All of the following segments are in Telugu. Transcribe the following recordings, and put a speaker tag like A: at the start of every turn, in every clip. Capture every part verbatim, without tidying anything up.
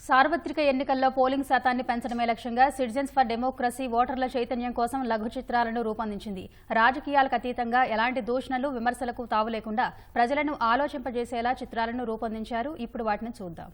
A: సార్వత్రిక ఎన్నికల్లో పోలింగ్ శాతాన్ని పెంచడమే లక్ష్యంగా సిటిజన్స్ ఫర్ డెమోక్రసీ ఓటర్ల చైతన్యం కోసం లఘు చిత్రాలను రూపొందించింది. రాజకీయాలకు అతీతంగా ఎలాంటి దూషణలు, విమర్శలకు తావు లేకుండా ప్రజలను ఆలోచింపజేసేలా చిత్రాలను రూపొందించారు. ఇప్పుడు వాటిని చూద్దాం.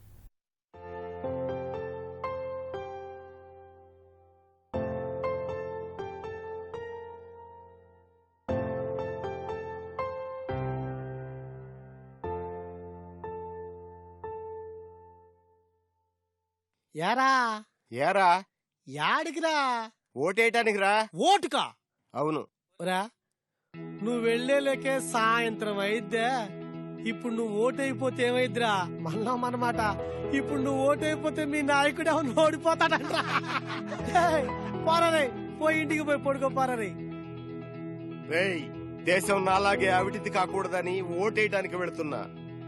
B: యారా
C: ఏరా
B: యాడికిరా?
C: ఓటేయటానికి రా.
B: ఓటుకా?
C: అవును
B: రా, నువ్వు వెళ్లేలేకే సాయంత్రం అయిద్దే. ఇప్పుడు నువ్వు ఓటైపోతే ఏమైద్దిరా? మళ్ళా మనమాట, ఇప్పుడు నువ్వు ఓటైపోతే మీ నాయకుడు ఎవరు ఓడిపోతాడంట్రా. పోరరే, పోయి ఇంటికి పోయి పడుకో పోరరే.
C: రేయ్, దేశం నాలాగే అవిటిది కాకూడదని ఓటేయటానికి వెళుతున్నా.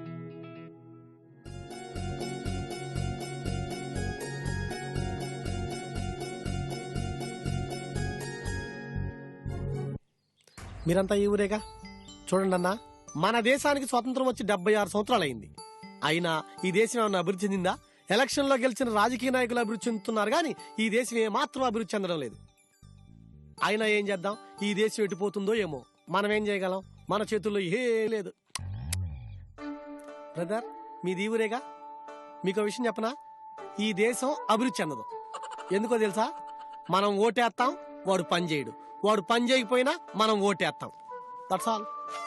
B: మీరంతా ఈ ఊరేగా. చూడండి అన్నా, మన దేశానికి స్వాతంత్రం వచ్చి డెబ్బై ఆరు సంవత్సరాలు అయింది. అయినా ఈ దేశం ఏమన్నా అభివృద్ధి చెందిందా? ఎలక్షన్ లో గెలిచిన రాజకీయ నాయకులు అభివృద్ధి చెందుతున్నారు కానీ ఈ దేశం ఏమాత్రం అభివృద్ధి చెందడం లేదు. అయినా ఏం చేద్దాం, ఈ దేశం ఎటుపోతుందో ఏమో. మనం ఏం చేయగలం? మన చేతుల్లో ఏం లేదు. బ్రదర్, మీది ఈ ఊరేగా. మీకు విషయం చెప్పనా, ఈ దేశం అభివృద్ధి చెందదు. ఎందుకో తెలుసా? మనం ఓటేస్తాం, వాడు పని చేయడు. వాడు పని చేయకపోయినా మనం ఓటేస్తాం. That's all.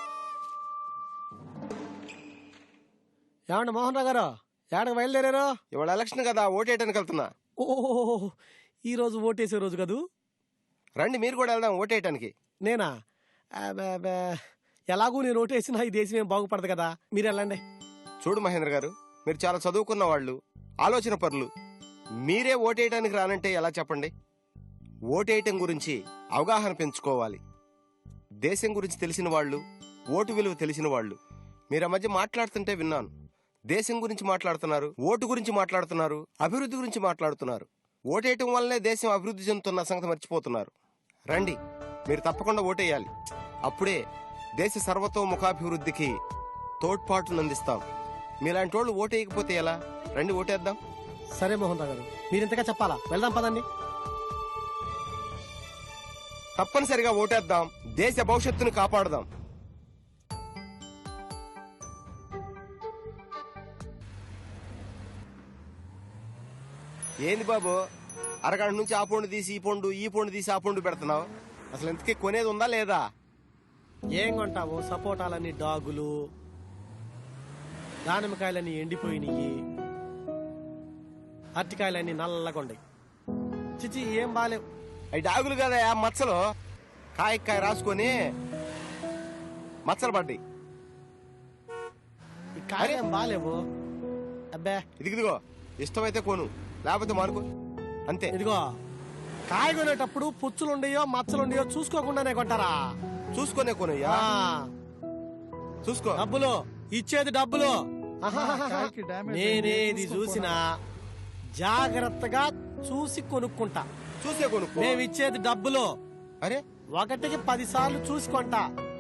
B: ఏమండి మోహన్ రావు గారు, ఏడకు బయలుదేరారు?
C: ఇవాళ ఎలక్షన్ కదా, ఓటేయటానికి వెళ్తున్నా.
B: ఓ, ఈ రోజు ఓటేసే రోజు కదూ.
C: రండి, మీరు కూడా వెళ్దాం ఓటేయటానికి.
B: నేనా? ఎలాగూ నేను ఓటేసినా ఈ దేశం ఏం బాగుపడదు కదా, మీరు వెళ్ళండి.
C: చూడు మహేంద్ర గారు, మీరు చాలా చదువుకున్న వాళ్ళు, ఆలోచన పరులు. మీరే ఓటేయటానికి రానంటే ఎలా చెప్పండి? ఓటేయటం గురించి అవగాహన పెంచుకోవాలి. దేశం గురించి తెలిసిన వాళ్ళు, ఓటు విలువ తెలిసిన వాళ్ళు. మీరు ఆ మధ్య మాట్లాడుతుంటే విన్నాను. దేశం గురించి మాట్లాడుతున్నారు, ఓటు గురించి మాట్లాడుతున్నారు, అభివృద్ధి గురించి మాట్లాడుతున్నారు. ఓటేయటం వల్లనే దేశం అభివృద్ధి చెందుతున్న సంగతి మర్చిపోతున్నారు. రండి, మీరు తప్పకుండా ఓటేయాలి. అప్పుడే దేశ సర్వతోముఖాభివృద్ధికి తోడ్పాటునందిస్తాం. మీలాంటి వాళ్ళు ఓటేయకపోతే ఎలా? రండి, ఓటేద్దాం.
B: సరే మోహన్ రావు గారు, మీరింతగా చెప్పాలా? వెళ్దాం పదండి.
C: తప్పనిసరిగా ఓటేద్దాం, దేశ భవిష్యత్తును కాపాడదాం. ఏంది బాబు, అరగంట నుంచి ఆ పండు తీసి ఈ పండు, ఈ పండు తీసి ఆ పండు పెడుతున్నావు? అసలు ఇంతకీ కొనేది ఉందా లేదా?
B: ఏం కొంటావు? సపోటాలన్నీ డాగులు, దానిమ్మకాయలన్నీ ఎండిపోయినాయి, అరటికాయలన్నీ నల్లగొండయి. చిచి, ఏం బాలేవు.
C: అవి డాగులు కదా, మచ్చలు. కాయ కాయ రాసుకొని మచ్చలు పడ్డాయి.
B: ఈ కాయలేం బాలేవు. అబ్బే,
C: ఇదిగిదిగో, ఇష్టమైతే కొను, లేకపోతే మానుకో, అంతే.
B: ఇదిగో, కాయ కొనేటప్పుడు పుచ్చులుండయో మచ్చలుండయో చూసుకోకుండానే కొంటారా?
C: చూసుకునే కొనయ్యా, చూసుకో.
B: డబ్బులు ఇచ్చేది డబ్బులు. నేనేది చూసినా జాగ్రత్తగా చూసి కొనుక్కుంటా.
C: చూసే కొనుక్కో.
B: మేమిచ్చేది డబ్బులు.
C: అరే,
B: ఒకటికి పది సార్లు చూసుకుంటా.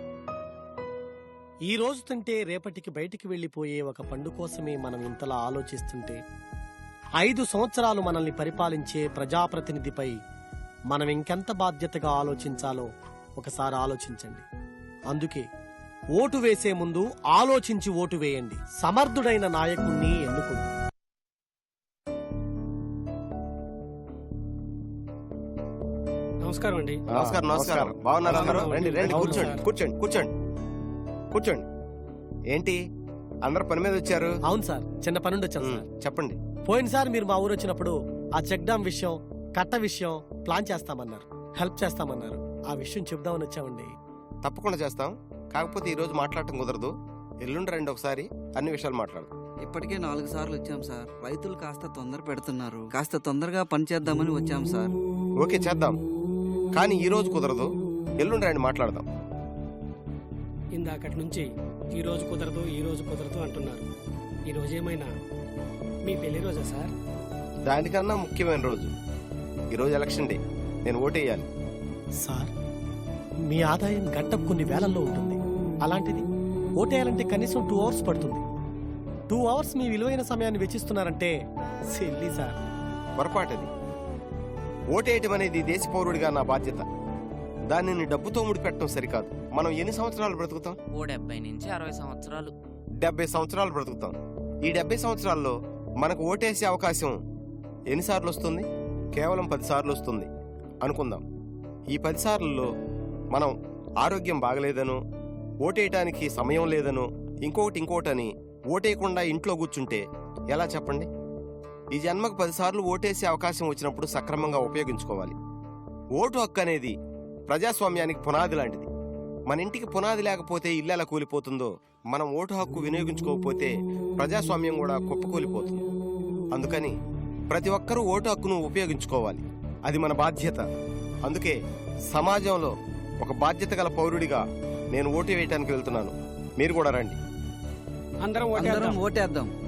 B: ఈ రోజు తింటే రేపటికి బయటికి వెళ్లిపోయే ఒక పండు కోసమే మనం ఇంతలా ఆలోచిస్తుంటే, ఐదు సంవత్సరాలు మనల్ని పరిపాలించే ప్రజాప్రతినిధిపై మనం ఇంకెంత బాధ్యతగా ఆలోచించాలో ఒకసారి ఆలోచించండి. అందుకే ఓటు వేసే ముందు ఆలోచించి ఓటు వేయండి. సమర్థుడైన నాయకుణ్ణి ఎన్నుకోండి.
D: నమస్కారం అండి.
C: నమస్కారం. నమస్కారం. బాగున్నారా అందరూ? రండి రండి, కూర్చోండి కూర్చోండి కూర్చోండి కూర్చోండి. ఏంటి అందరు పని మీద వచ్చారు?
B: అవును సార్, చిన్న పనుండి వచ్చాను సార్.
C: చెప్పండి.
B: పోయినసారి మీరు మా ఊరు వచ్చినప్పుడు ఆ చెక్ డ్యామ్ విషయం, కట్ట విషయం ప్లాన్ చేస్తామన్నారు, హెల్ప్ చేస్తామన్నారు. ఆ విషయం చెప్దామని వచ్చామండి.
C: తప్పకుండా చేస్తాం. కాకపోతే ఈ రోజు మాట్లాడటం కుదరదు. ఎల్లుండి రండి, ఒకసారి అన్ని విషయాలు మాట్లాడదాం.
E: ఇప్పటికే నాలుగు సార్లు వచ్చాం సార్. రైతులు కాస్త తొందర పెడుతున్నారు. కాస్త తొందరగా పని చేద్దామని వచ్చాం సార్.
C: ఓకే, చేద్దాం. కానీ ఈ రోజు కుదరదు, ఎల్లుండి రండి, మాట్లాడదాం.
D: ఇందాకటి నుంచి ఈ రోజు కుదరదు, ఈ రోజు కుదరదు అంటున్నారు. ఈ రోజు ఏమైనా మీ పెళ్లి రోజా సార్?
C: దానికన్నా ముఖ్యమైన రోజు ఈ రోజు, ఎలక్షన్ డే. నేను ఓటేయాలి.
B: సార్, మీ ఆదాయం గంటకు కొన్ని వేలల్లో ఉంటుంది. అలాంటిది ఓటేయాలంటే కనీసం టూ అవర్స్ పడుతుంది. టూ అవర్స్ మీ విలువైన సమయాన్ని వెచ్చిస్తున్నారంటే సిల్లీ సార్.
C: పొరపాటది. ఓటేయటం అనేది దేశ పౌరుడిగా నా బాధ్యత. దానిని డబ్బుతో ముడిపెట్టడం సరికాదు. మనం ఎన్ని సంవత్సరాలు బ్రతుకుతాం?
F: ఓ డెబ్బై నుంచి అరవై సంవత్సరాలు.
C: డెబ్బై సంవత్సరాలు బ్రతుకుతాం. ఈ డెబ్బై సంవత్సరాల్లో మనకు ఓటేసే అవకాశం ఎన్నిసార్లు వస్తుంది? కేవలం పది సార్లు వస్తుంది అనుకుందాం. ఈ పది సార్లలో మనం ఆరోగ్యం బాగలేదనో, ఓటేయటానికి సమయం లేదనో, ఇంకొకటి ఇంకోటని ఓటేయకుండా ఇంట్లో కూర్చుంటే ఎలా చెప్పండి? ఈ జన్మకు పదిసార్లు ఓటేసే అవకాశం వచ్చినప్పుడు సక్రమంగా ఉపయోగించుకోవాలి. ఓటు హక్కు అనేది ప్రజాస్వామ్యానికి పునాది లాంటిది. మన ఇంటికి పునాది లేకపోతే ఇల్లు ఎలా కూలిపోతుందో, మనం ఓటు హక్కు వినియోగించుకోకపోతే ప్రజాస్వామ్యం కూడా కుప్పకూలిపోతుంది. అందుకని ప్రతి ఒక్కరూ ఓటు హక్కును ఉపయోగించుకోవాలి. అది మన బాధ్యత. అందుకే సమాజంలో ఒక బాధ్యత గల పౌరుడిగా నేను ఓటు వేయటానికి వెళ్తున్నాను. మీరు కూడా రండి.
D: అందరం
E: అందరం
D: ఓటేద్దాం.
E: ఓటేద్దాం.